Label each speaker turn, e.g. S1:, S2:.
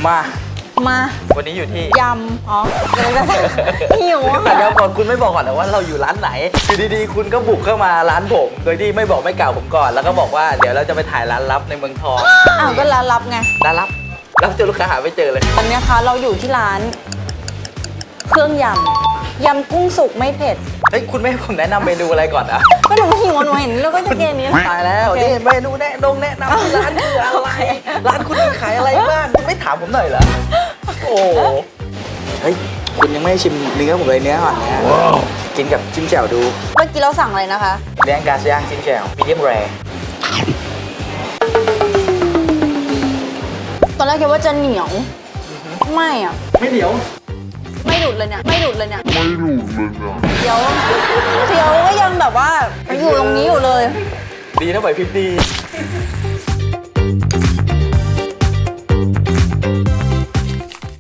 S1: มา
S2: มา
S1: วันนี้อยู่ที่
S2: ยำอ๋อเดี๋ยวจะหิว
S1: แต่เดี๋ยวก่อนคุณไม่บอกก่อนนะว่าเราอยู่ร้านไหนอยู่ดีๆคุณก็บุกเข้ามาร้านผมโดยที่ไม่บอกไม่กล่าวผมก่อนแล้วก็บอกว่าเดี๋ยวเราจะไปถ่ายร้านลับในเมืองทอง
S2: อ้าวก็ร้านลับไง
S1: ร้านลับรับเจอลูกค้าหาไม่เจอเลย
S2: ตอนนี้คะเราอยู่ที่ร้านเครื่องยำกุ้งสุกไม่เผ็ด
S1: เฮ้ยคุณไม่ให้ผมแนะนำเมนูอะไรก่อนอะ
S2: ก็หนูหิวหนูเห็นแล้วก็จะกินอันนี้
S1: ตายแล้ว
S2: โอเค
S1: นี่เมนูแนะนำที่ร้านคืออะไรร้านคุณมีขายอะไรบ้างคุณไม่ถามผมหน่อยเหรอโอ้เฮ้ยคุณยังไม่ชิมเนื้อผมเลยเนื้ออ่อนนะกินกับจิ้มแจ่วดู
S2: เมื่อกี้เราสั่งอะไรนะคะ
S1: เลี้ยงกาย่างจิ้มแจ่วมีเดียมแรร์
S2: ตอนแรกคิดว่าจะเหนียวไม่อ่ะ
S1: ไม่เหนียว
S2: ไม่หลุดเลยเนี่ยเดี๋ยวก็ยังแบบว่าอยู่ตรงนี้อยู่เลย
S1: ดีนะไหวพริบดี